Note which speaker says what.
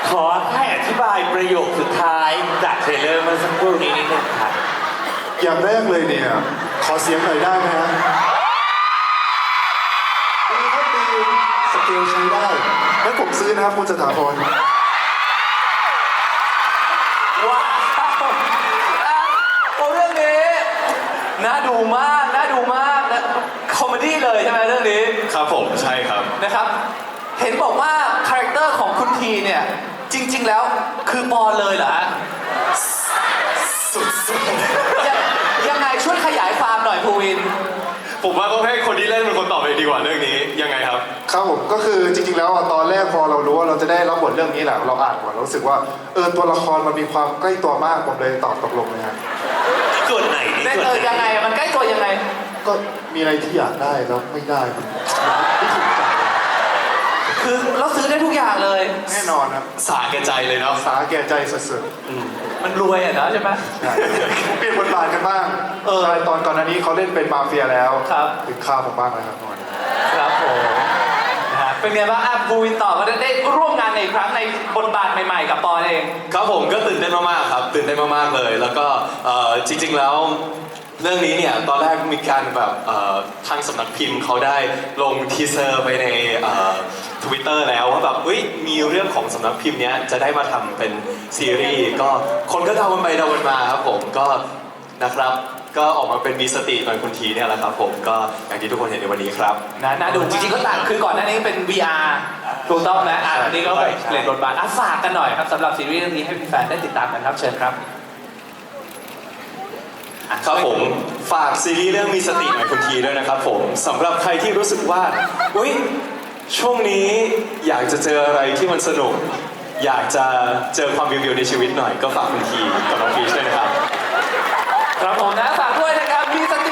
Speaker 1: ขอให้อธิบายประโยคสุดท้ายจากเทรลเลอร์เมื่อสักครู่นี้นิดนึงครับ
Speaker 2: อย่างแรกเลยเนี่ยขอเสียงหน่อยได้ไหมฮะดีครับดีสเกลใช้ได้งั้นผมซื้อนะครับคุณสถาพร
Speaker 3: ว้าวโอ้เรื่องนี้น่าดูมากน่าดูมากนะคอมเมดี้เลยใช่ไหมเรื่องนี้
Speaker 4: ครับผมใช่ครับ
Speaker 3: นะครับ เห็นบอกว่าคาแรคเตอร์ของคุณทีเนี่ยจริง ๆ แล้วคือปอนเลยเหรอฮะยังไงช่วยขยายความหน่อยภูวิน
Speaker 4: ผมว่าต้องให้คนที่เล่นเป็นคนตอบเองดีกว่าเรื่องนี้ยังไงครับ
Speaker 2: ครับผมก็คือจริงๆแล้วตอนแรกพอเรารู้ว่าเราจะได้รับบทเรื่องนี้แหละเราอ่านก่อนเรารู้สึกว่าตัวละครมันมีความใกล้ตัวมากผมเลยตอบตกลงเลยฮะ
Speaker 1: นี่ส่วนไหนนี่ส่วนไหน
Speaker 3: ยังไงมันใกล้ตัวยังไง
Speaker 2: ก็มีอะไรที่อยากได้แล้วไม่ได้มันไม่ถูกใจ
Speaker 3: คือเราซื้อได้ทุกอย่างเลย
Speaker 2: แน่นอนครับ
Speaker 4: สาแก่ใจเลยเนาะ
Speaker 2: สาแก่ใจสุด
Speaker 3: มันรวยอะเนาะใช่ไหม
Speaker 2: ๆใช่เปลี่ยนบทบาทกันบ้างใช่ตอนก่อนหน้านี้เขาเล่นเป็นมาเฟียแล้ว
Speaker 3: ครับ
Speaker 2: ถึงข้าวผมบ้างแล้วครับตอนนี้
Speaker 3: ครับผมนะฮะเป็นไงบ้างอ่ะภูวินต่อมาได้ร่วมงานในอีกครั้งในบทบาทใหม่ๆกับปอนเอง
Speaker 4: ครับผมก็ตื่นเต้นมากๆครับตื่นเต้นมากๆเลย แล้วก็จริงๆแล้วเรื่องนี้เนี่ยตอนแรกมีการแบบทางสำนักพิมพ์เขาได้ลงทีเซอร์ไปในTwitter แล้วว่าแบบมีเรื่องของสำนักพิมพ์เนี้ยจะได้มาทำเป็นซีรีส์ก็คนก็เดากันไปเดากันมาครับผมก็นะครับก็ออกมาเป็นมีสติหน่อยคุณทีเนี่ยแหละครับผมก็อย่างที่ทุกคนเห็นในวันนี้ครับ
Speaker 3: น่าดูจริงๆก็ต่างคือก่อนหน้านี้เป็น VR ถูกต้องไหมอ่ะอันนี้ก็แบบเปลี่ยนบทบาทฝากกันหน่อยครับสำหรับซีรีส์เรื่องนี้ให้แฟนๆได้ติดตามกันครับเชิญครับ
Speaker 4: ครับผมฝากซีรีส์เรื่องมีสติหน่อยคุณทีด้วยนะครับผมสำหรับใครที่รู้สึกว่าช่วงนี้อยากจะเจออะไรที่มันสนุก อยากจะเจอความวิวๆในชีวิตหน่อยก็ฝากคุณทีกับน้องพีชด้วยนะครับ
Speaker 3: ครับผมนะฝากด้วยนะครับมีส